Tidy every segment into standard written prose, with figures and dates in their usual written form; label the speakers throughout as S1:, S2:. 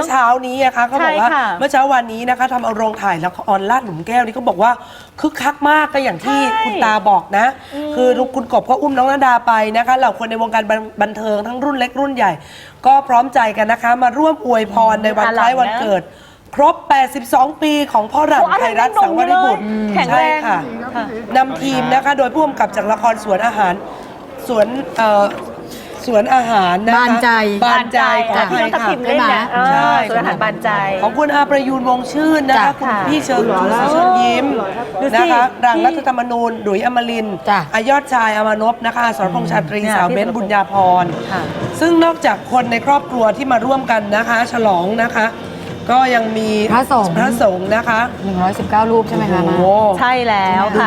S1: อเช้านี้นะคะเขาบอกว่าเมื่อเช้าวันนี้นะคะทำเอาโรงถ่ายละครลาดหลุมแก้วนี่เขาบอกว่าคึกคักมากก็อย่างที่คุณตาบอกนะคือคุณกบก็อุ้มน้องณดาไปนะคะเหล่าคนในวงการบันเทิงทั้งรุ่นเล็กรุ่นใหญ่ก็พร้อมใจกันนะคะมาร่วมอวยพรในวันคล้ายวันเกิดครบ 82 ปีของพ่อหลังไทยรัฐสังวริบุตรใช่ค่ะนำทีมนะคะโดยผู้กำกับจากละครสวนอาหารสวนอาหารนะคะบานใจของพี่น้องทัพทิมเล่นนะใช่สวนอาหารบานใจของคุณอาประยูนวงชื่นนะคะคุณพี่เชิญยิ้มนะคะรังรัฐธรรมนูญดุยอมรินทร์อายอดชายอมานพนะคะสรพงษ์ชาตรีสาวเบ้นบุญญาพรซึ่งนอกจากคนในครอบครัวที่มาร่วมกันนะคะฉลองนะคะก็ยังมีพระสงฆ์นะคะ
S2: 119 รูปใช่ไหมคะมา
S3: ใช่แล้วค่ะ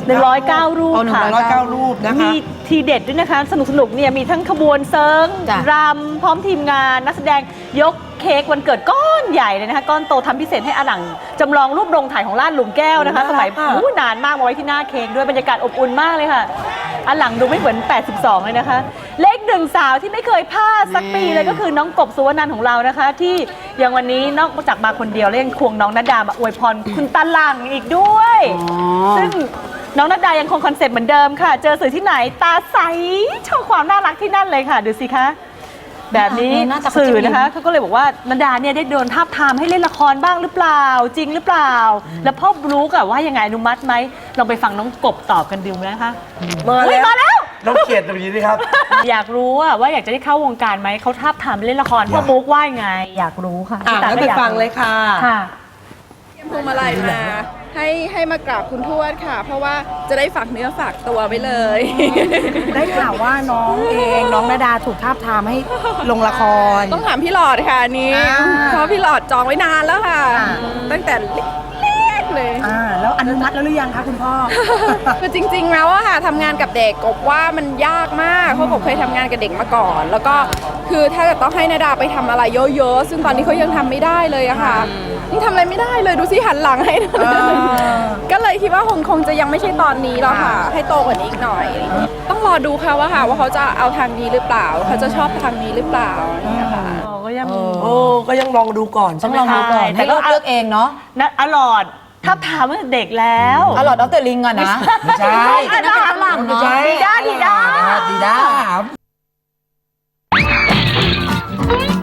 S3: 109 รูปค่ะ
S1: 109 รูปนะคะ
S3: มีทีเด็ดด้วยนะคะสนุกเนี่ยมีทั้งขบวนเซิร์งรำพร้อมทีมงานนักแสดงยกเค้กวันเกิดก้อนใหญ่เลยนะคะก้อนโตทำพิเศษให้อาหลังจำลองรูปโรงถ่ายของลาดหลุมแก้วนะคะสมัยนานมากมาไว้ที่หน้าเค้กด้วยบรรยากาศอบอุ่นมากเลยค่ะอาหลังดูไม่เหมือน82เลยนะคะเลขหนึ่งสาวที่ไม่เคยพลาดสักปีเลยก็คือน้องกบสุวรรณันท์ของเรานะคะที่อย่างวันนี้นอกจากมาคนเดียวเล่นควงน้องณดามาอวยพรคุณตาหลังอีกด้วยซึ่งน้องณดายังคงคอนเซ็ปต์เหมือนเดิมค่ะเจอสื่อที่ไหนตาใสโชว์ความน่ารักที่นั่นเลยค่ะดูสิคะแบบนี้สื่อนะคะเขาก็เลยบอกว่าณดาเนี่ยได้โดนทาบทามให้เล่นละครบ้างหรือเปล่าจริงหรือเปล่าแล้วพ่อบลูกว่ายังไงอนุมัติไหมลองไปฟังน้องกบตอบกันดูนะคะมาแล้ว
S1: น้องเขียดตรงนี้ดิครับ
S3: อยากรู้ว่าอยากจะได้เข้าวงการไหมเขาทาบทามเล่นละครพ่อบลูกว่ายังไงอยากรู้ค่ะ
S1: แล้วไปฟังเลยค่ะ
S4: พวงมาลัยมาให้มากราบคุณทวดค่ะเพราะว่าจะได้ฝากเนื้อฝากตัวไว้เลย
S2: ได้ข่าวว่าน้องณดาถูกทาบทามให้ลงละคร
S4: ต้องถามพี่หลอดค่ะนี้เพราะพี่หลอดจองไว้นานแล้วค่ะตั้งแต่เล็กเลย
S2: แล้วอนุมัติแล้วหรือยังคะคุณพ่อ
S4: คือจริงๆแล้วอะค่ะทำงานกับเด็กกบว่ามันยากมากเพราะกบเคยทำงานกับเด็กมาก่อนแล้วก็คือถ้าเกิดต้องให้ณดาไปทำอะไรเยอะๆซึ่งตอนนี้เขายังทำไม่ได้เลยอะค่ะนี่ทำอะไรไม่ได้เลยดูสิหันหลังให้ก็เลยคิดว่าคงจะยังไม่ใช่ตอนนี้หรอกค่ะให้โตกว่านี้อีกหน่อยต้องรอดูค่ะว่าเขาจะเอาทางนี้หรือเปล่าเขาจะชอบทางนี้หรือเปล่าเนี่ยค่ะ
S1: ก็ยังลองดูก่อน
S2: ต้องลองดูก่อนให้เขาเลือกเองเนาะ
S3: นะอลอดถ้าถามว่าเด็กแล้ว
S2: อลอดดร.ลิงก่อนนะ
S1: ไม่ใช่
S2: นั่นเป็นฝรั่งเนาะ
S3: ดีด้า